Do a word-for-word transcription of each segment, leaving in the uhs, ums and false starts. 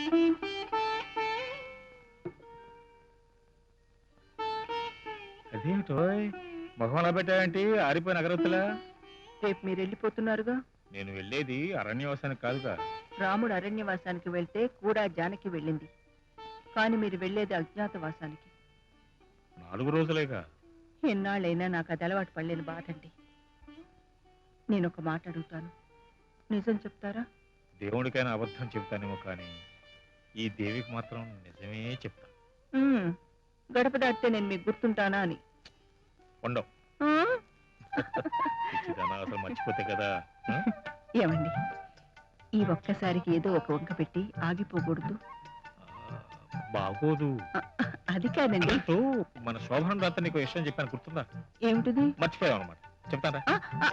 అదేమిటో మొహం అలా పెట్టావేంటి? ఆరిపోయిన అగరత్తులా. రేపు మీరు వెళ్ళిపోతున్నారుగా. నేను వెళ్ళేది అరణ్యవాసానికి కాదుగా. రాముడు అరణ్యవాసానికి వెళ్తే కూడా జానకి వెళ్ళింది, కానీ మీరు వెళ్ళేది అజ్ఞాతవాసానికి. నాలుగు రోజులేగా. ఎన్నాళ్ళైనా నాకు అది అలవాటు పడలేని బాధండి. నేను ఒక మాట అడుగుతాను, నిజం చెప్తారా? దేవుడికైనా అబద్ధం చెప్తానేమో, కానీ ఈ దేవికి మాత్రం నిజమే చెప్తాను. ఉమ్, గడప దాటితే నేను మీకు గుర్తుంటానా అని. ఉండవు. ఆ? అసలు మర్చిపోతే కదా. ఆ? ఏమండి, ఈ ఒక్కసారికి ఏదో ఒక వంక పెట్టి ఆగిపోకూడదు. ఆ, బాగోదు. ఆ, అది కాదండి. అంటూ మన శోభనం రాత్రి నీకు విషయం చెప్పాను, గుర్తుందా? ఏమిటిది? మర్చిపోయావు అనమాట. చెప్తారా? ఆ, ఆ.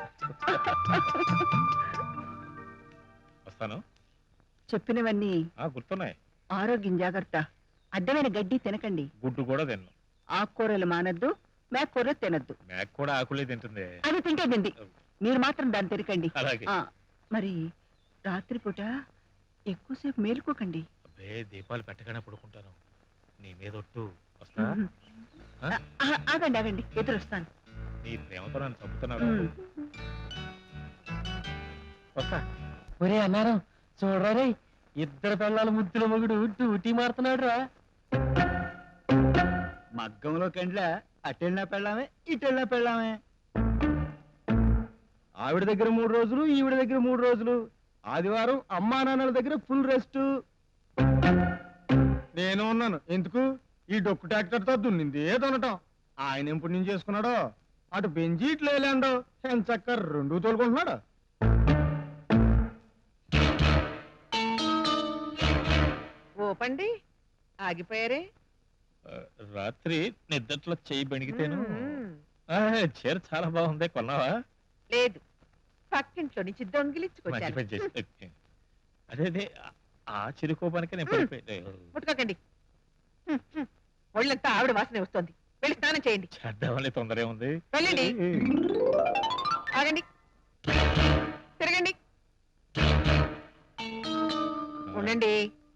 వస్తాను. చెప్పినవన్నీ ఆ గుర్తున్నాయి. ఆరోగ్యం జాగ్రత్త. అడ్డమైన గడ్డి తినకండి. గుడ్డు కూడా తిన్ను. ఆకుకూరలు మానద్దు, మేకూర తినద్దు. మేక కూడా ఆకులే తింటుంది. అది తింటే తింది, మీరు మాత్రం దాన్ని తినకండి. అలాగే. ఆ, మరి రాత్రిపూట ఎక్కువసేపు మేలుకోకండి. అబ్బే, దీపాలు పెట్టగానే పడుకుంటాను. నీ మీద ఒట్టు. వస్తా. ఉహు. ఆ? ఆ, ఆగండి ఆగండి, ఎదురొస్తాను. నీ ప్రేమతో నన్ను చంపుతున్నాడు. ఉమ్. వస్తా. ఒరే అన్నారం చూడరా రే, ఇద్దరు పిల్లల ముద్దుల మొగుడు డ్యూటీ మారుతున్నాడు రా. మగ్గంలో కండ్ల అటెళ్ళినా పెళ్ళామే ఇటెళ్ళినా పెళ్ళామే. ఆవిడ దగ్గర మూడు రోజులు, ఈవిడ దగ్గర మూడు రోజులు. ఆదివారం అమ్మా నాన్నల దగ్గర ఫుల్ రెస్ట్. నేను ఉన్నాను ఎందుకు? ఈ డొక్కు ట్రాక్టర్తో దున్నింది దున్నటం. ఆయన ఎప్పుడు నుంచి చేసుకున్నాడో, అటు బెంజి ఇట్లు వేలాండో, ఎంచక్క రెండు తోలుకుంటున్నాడు. ఓపండి, ఆగిపోయారే. ఆ, రాత్రి నిద్దట్లో చెయ్యి బెణిగితేను. మ్మ్. ఆ, చీర చాలా బాగుంది, కొన్నావా? లేదు, పక్కింట్లో నుంచి మంచి దొంగిలించుకొచ్చాను. పని చేసి. అదే అదే, ఆ చిరుకోపానికి నేను పడిపోయాను. ముట్టుకోకండి. హ్మ్, హ్మ్. ఒళ్ళంతా ఆవిడ వాసనే వస్తోంది. వెళ్ళి స్నానం చేయండి. చేద్దామని తొందర ఏముంది. వెళ్ళండి. ఆగండి, తిరగండి, ఉండండి.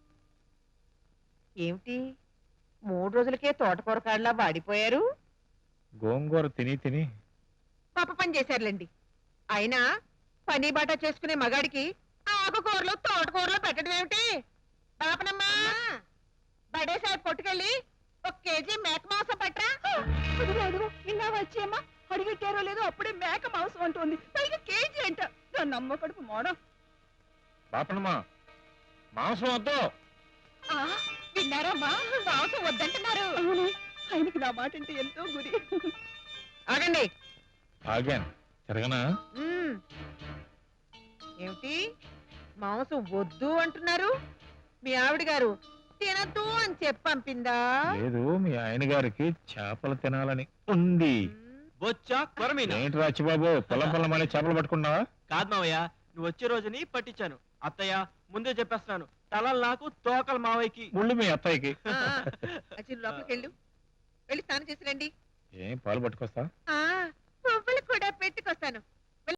ఏమిటి మూడు రోజులకే తోటకూర కాడలా వాడిపోయారు? గోంగూర తిని తిని పాప పని చేశారులేండి. అయినా పని బాట చేసుకునే మగాడికి ఆకుకూరలు తోటకూరలు పెట్టడం ఏమిటి? పాపనమ్మా, బడేసారి పొట్టుకెళ్ళి ఒక కేజీ మేక మాంసం పట్టరా. అదిగో అదిగో, ఇలా వచ్చేమ్మా, అడిగెట్టారో లేదో అప్పుడే మేక మాంసం అంటుంది, పైగా కేజీ అంట. దాన్ని అమ్మ కడుపు మోడం. బాపనమ్మా, మాంసం వద్దు. విన్నారమ్మా, మాంసం వద్దంటున్నారు. అవును, ఆయనకి నా మాట అంటే ఎంతో గురి. ఆగండి. ఆగాను, తిరగనా? మ్మ్. ఏమిటి మాంసం వద్దు అంటున్నారు? మీ ఆవిడ గారు తినద్దు అని చెప్పి పంపిందా? లేదు, మీ ఆయన గారికి చేపలు తినాలని ఉంది. బొచ్చా కొరమీన ఏంటి రాచిబాబు, పొలం పొలం అనే చేపలు పట్టుకున్నావా? కాదు మావయ్య, నువ్వు వచ్చే రోజుని పట్టించాను. అత్తయ్య ముందే చెప్పేస్తున్నాను, తలలు నాకు తోకలు మావయ్యకి. ముళ్ళు మీ అత్తయ్యకి. ఆ, అచ్చి లోపలికి వెళ్ళు, వెళ్ళి స్నానం చేసి రండి. ఏం పాలు పట్టుకొస్తా? ఆ, పువ్వులు కూడా పెట్టుకొస్తాను.